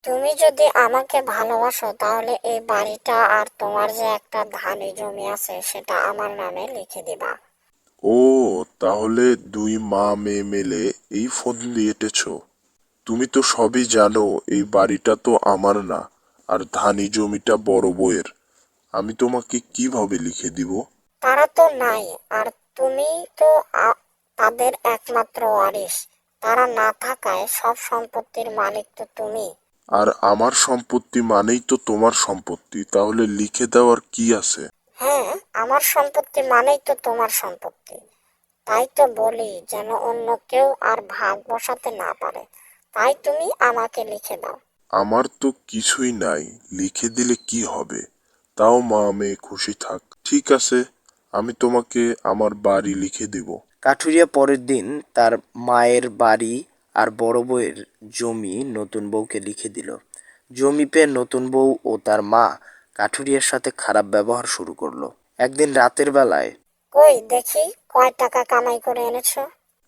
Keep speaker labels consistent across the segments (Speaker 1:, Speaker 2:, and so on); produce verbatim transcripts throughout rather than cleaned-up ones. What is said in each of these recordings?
Speaker 1: তুমি যদি আমাকে ভালোবাসো তাহলে এই বাড়িটা আর তোমার যে একটা ধানি জমি আছে সেটা আমার নামে লিখে দিবা।
Speaker 2: ও, তাহলে দুই মা মেয়ে মিলে এই ফন্দি এঁটেছো। তুমি তো সবই জানো এই বাড়িটা তো আমার না, আর ধানি জমিটা বড় বউয়ের। আমি তোমাকে কিভাবে লিখে দিব?
Speaker 1: তারা তো নাই, আর তুমি তো আ- তাদের একমাত্র ওয়ারিশ। তারা না থাকায় সব সম্পত্তির মালিক তো তুমি।
Speaker 2: আর আমার সম্পত্তি মানেই তো তোমার সম্পত্তি, তাহলে লিখে দেওয়ার কি আছে?
Speaker 1: হ্যাঁ, আমার সম্পত্তি মানেই তো তোমার সম্পত্তি। তাই তো বলি যেন অন্য কেউ আর ভাগ বসাতে না পারে। তাই তুমি আমাকে লিখে দাও।
Speaker 2: আমার তো কিছুই নাই, লিখে দিলে কি হবে? তাও মা মেয়ে খুশি থাক। ঠিক আছে, আমি তোমাকে আমার বাড়ি লিখে দেব।
Speaker 3: কাঠুরিয়া পরের দিন তার মায়ের বাড়ি আর বড় বউয়ের জমি নতুন বউকে লিখে দিল। জমি পেয়ে নতুন বউ ও তার মা কাঠুরিয়ার সাথে খারাপ ব্যবহার শুরু করলো। একদিন রাতের বেলায়
Speaker 1: কই দেখি, কয় টাকা কামাই করে এনেছো?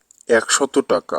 Speaker 2: একশত টাকা।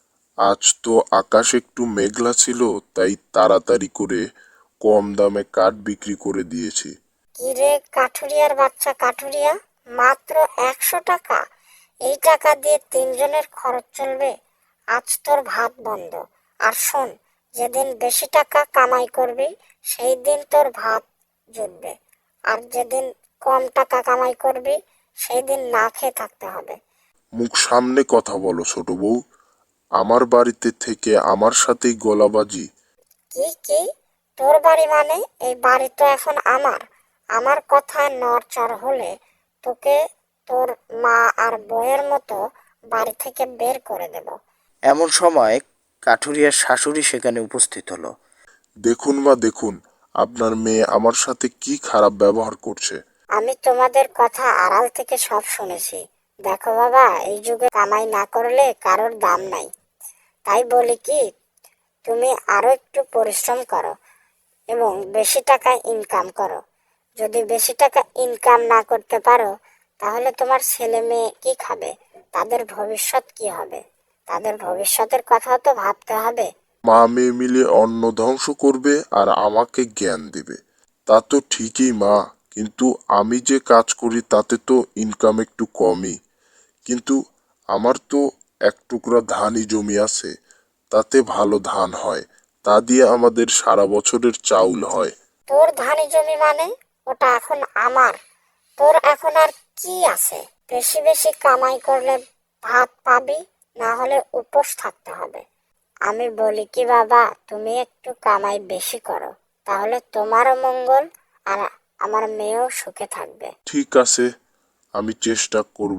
Speaker 2: আজ তো আকাশ একটু মেঘলা ছিল, তাই তাড়াতাড়ি করে কম দামে কাঠ বিক্রি করে দিয়েছি।
Speaker 1: কি রে কাঠুরিয়ার বাচ্চা কাঠুরিয়া, মাত্র একশো টাকা! এই টাকা দিয়ে তিনজনের খরচ চলবে। আজ তোর ভাত বন্ধ। আর শোন, যেদিন বেশি টাকা কামাই করবি সেই দিন তোর ভাত জুটবে, আর যেদিন কম টাকা কামাই করবি সেই দিন না খেয়ে থাকতে হবে।
Speaker 2: মুখ সামনে কথা বলো ছোট বউ। আমার বাড়িতে থেকে আমার সাথেই গলাবাজি?
Speaker 1: কি কি? তোর বাড়ি মানে? এই বাড়ি তো এখন আমার। আমার কথায় নড়চড় হলে তোকে তোর মা আর বউয়ের মতো বাড়ি থেকে বের করে দেব।
Speaker 3: এমন সময় কাঠুরিয়ার শাশুড়ি সেখানে উপস্থিত হলো।
Speaker 2: দেখুন মা, দেখুন আপনার মেয়ে আমার সাথে কি খারাপ ব্যবহার করছে।
Speaker 1: আমি তোমাদের কথা আড়াল থেকে সব শুনেছি। দেখো বাবা, এই যুগে কামাই না করলে কারোর দাম নাই। তাই বলি কি, তুমি আরো একটু পরিশ্রম করো এবং বেশি টাকা ইনকাম করো। যদি বেশি টাকা ইনকাম না করতে পারো তাহলে তোমার ছেলে মেয়ে কি খাবে? তাদের ভবিষ্যৎ কি হবে? তাদের ভবিষ্যতের কথাও তো ভাবতে হবে।
Speaker 2: মা মেয়ে মিলে অন্ন ধ্বংস করবে আর আমাকে জ্ঞান দেবে। তা তো ঠিকই মা, কিন্তু আমি যে কাজ করি তাতে তো ইনকাম একটু কমই। কিন্তু আমার তো এক টুকরা ধানই জমি আছে, তাতে ভালো ধান হয়। তা দিয়ে আমাদের সারা বছরের চাউল হয়।
Speaker 1: তোর ধানি জমি মানে? ওটা এখন আমার। তোর এখন আর কি আছে? বেশি বেশি কামাই করলে ভাত পাবি, না হলে উপোস থাকতে হবে। আমি বলি কি বাবা, তুমি একটু কামাই বেশি করো, তাহলে তোমারও মঙ্গল আর আমার মেয়েও সুখে থাকবে।
Speaker 2: ঠিক আছে, আমি চেষ্টা করব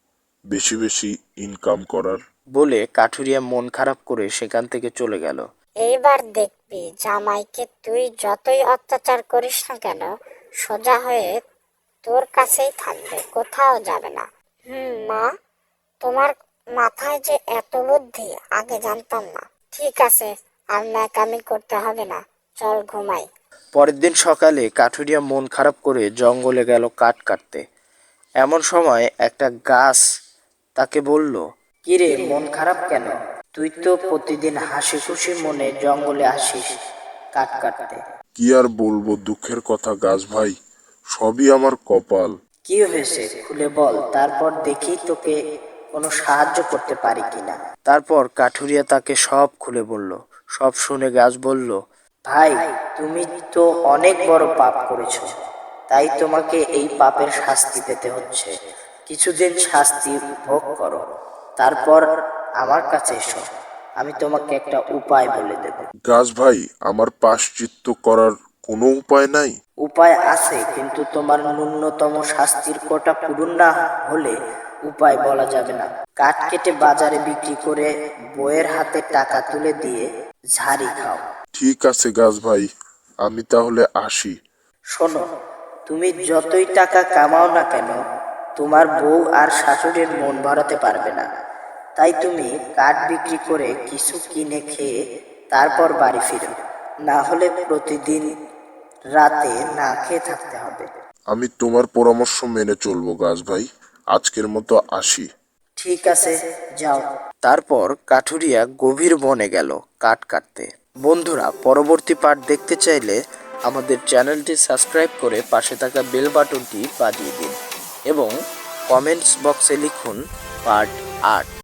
Speaker 2: বেশি বেশি ইনকাম করার।
Speaker 3: বলে কাঠুরিয়া মন খারাপ করে সেখান থেকে চলে গেল।
Speaker 1: এইবার দেখবি জামাইকে তুই যতই অত্যাচার করিস না কেন, সোজা হয়ে তোর কাছেই থাকবে, কোথাও যাবে না। হুম মা, তোমার মাথায় যে এত বুদ্ধি আগে জানতাম না। ঠিক আছে, আর ন্যাকামি করতে হবে না, চল ঘুমাই।
Speaker 3: পরের দিন সকালে কাঠুরিয়া মন খারাপ করে জঙ্গলে গেল কাঠ কাটতে। এমন সময় একটা গাছ তাকে বলল, কিরে, মন খারাপ কেন? তুই তো প্রতিদিন হাসি খুশি মনে জঙ্গলে আসিস কাঠ কাটতে।
Speaker 2: কি আর বলবো দুঃখের কথা গাছ ভাই, সবই আমার কপাল।
Speaker 3: কি হয়েছে খুলে বল, তারপর দেখি তোকে কোনো সাহায্য করতে পারি কিনা। তারপর কাঠুরিয়া তাকে সব খুলে বলল। সব শুনে গাছ বলল, ভাই, তুমি তো অনেক বড় পাপ করেছো, তাই তোমাকে এই পাপের শাস্তি পেতে হচ্ছে। কিছুদিন শাস্তি ভোগ করো, তারপর আমার কাছে এসো, আমি তোমাকে একটা উপায় বলে দেব।
Speaker 2: গাছ ভাই, আমার প্রায়শ্চিত্ত করার কোনো উপায় নাই?
Speaker 3: উপায় আছে, কিন্তু তোমার ন্যূনতম শাস্তির কোটা পূরণ না হলে উপায় বলা যাবে না। কাঠ কেটে বাজারে বিক্রি করে বইয়ের হাতে টাকা তুলে দিয়ে ঝাড়ি খাও।
Speaker 2: ঠিক আছে গাছ ভাই, আমি তাহলে আসি।
Speaker 3: শোনো, তুমি যতই টাকা কামাও না কেন, তোমার বউ আর শাশুড়ির মন ভরাতে পারবে না। তাই তুমি কাঠ বিক্রি করে কিছু কিনে খেয়ে তারপর বাড়ি ফিরো, না হলে প্রতিদিন রাতে না খেয়ে থাকতে হবে।
Speaker 2: আমি তোমার পরামর্শ মেনে চলবো গাছ ভাই, আজকের মতো আসি।
Speaker 3: ঠিক আছে, যাও। তারপর কাঠুরিয়া গভীর বনে গেল কাঠ কাটতে। বন্ধুরা, পরবর্তী পার্ট দেখতে চাইলে আমাদের চ্যানেলটি সাবস্ক্রাইব করে পাশে থাকা বেল বাটনটি বাজিয়ে দিন এবং কমেন্টস বক্সে লিখুন পার্ট আট।